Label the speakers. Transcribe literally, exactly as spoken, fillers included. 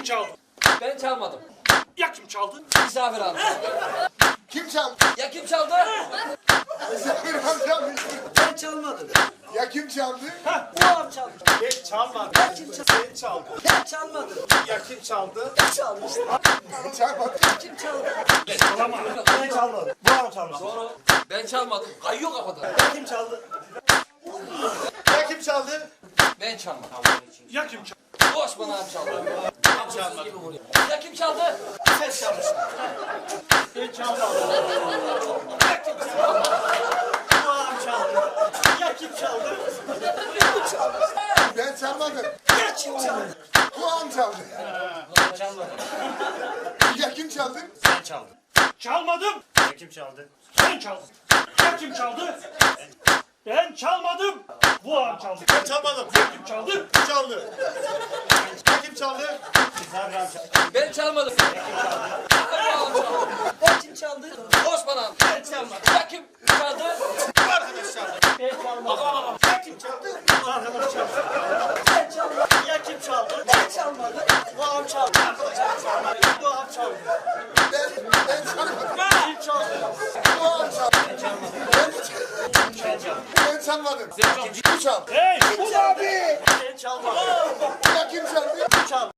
Speaker 1: çaldı?
Speaker 2: Ben çalmadım.
Speaker 1: Ya kim çaldı?
Speaker 2: Misafir amca.
Speaker 3: Kim çaldı?
Speaker 2: Ya kim çaldı?
Speaker 3: Misafir amcam.
Speaker 4: Ben çalmadım.
Speaker 3: Ya kim çaldı?
Speaker 4: Bu av çaldı.
Speaker 1: Ben çalmadım.
Speaker 4: Ben kim çaldı?
Speaker 1: Sen çaldın.
Speaker 4: Ben çalmadım.
Speaker 1: Ya kim çaldı?
Speaker 4: Ben çalmıştım.
Speaker 3: Ben çalmadım.
Speaker 4: Kim çaldı?
Speaker 1: Çalama.
Speaker 4: Ben çalmadım. Bu av çalmış.
Speaker 2: Doğru. Ben çalmadım. Kayıyor kafada.
Speaker 4: Kim çaldı?
Speaker 1: Ya kim çaldı?
Speaker 2: Ben çalmadım.
Speaker 1: Ya kim çaldı?
Speaker 2: Bu Osman abi çaldı.
Speaker 1: Ben çalmadım.
Speaker 2: Ya kim çaldı?
Speaker 4: Sen çalmışsın.
Speaker 1: Ben çalmadım.
Speaker 4: Ya kim çaldı? Bu av çaldı. Ya kim çaldı? Bu çaldı.
Speaker 3: Ben çalmadım.
Speaker 4: Ya kim çaldı?
Speaker 3: Kulağım çaldı.
Speaker 4: Ben çalmadım.
Speaker 3: Ya kim çaldı?
Speaker 4: Sen çaldın.
Speaker 1: Çalmadım.
Speaker 4: Ya kim çaldı?
Speaker 1: Sen çaldın. Ya kim çaldı? Ben çalmadım. Bu ağam çaldı. Ben çalmadım. Ya kim çaldı? Çaldı. Ya kim çaldı?
Speaker 2: Ben çalmadım.
Speaker 4: Ya kim çaldı?
Speaker 2: Osman abi.
Speaker 4: Ben çalmadım.
Speaker 2: Ya kim çaldı?
Speaker 1: Bu arkadaş çaldı.
Speaker 4: Ben çalmadım.
Speaker 1: Ya kim çaldı? Bu arkadaş çaldı.
Speaker 4: Ben çalmadım. Ya kim çaldı? Ben çalmadım. Bu av çaldı. Arkadaşlar çalmadı. Bu av çaldı.
Speaker 3: Ben, ben çalmadım.
Speaker 4: Kim çaldı?
Speaker 3: Kulağım çaldı. Ben, ben çalmadım. Bu çaldı.
Speaker 1: Hey!
Speaker 4: Kim çaldı? Ben çalmadım.
Speaker 3: Ya kim çaldı?
Speaker 4: Çaldı.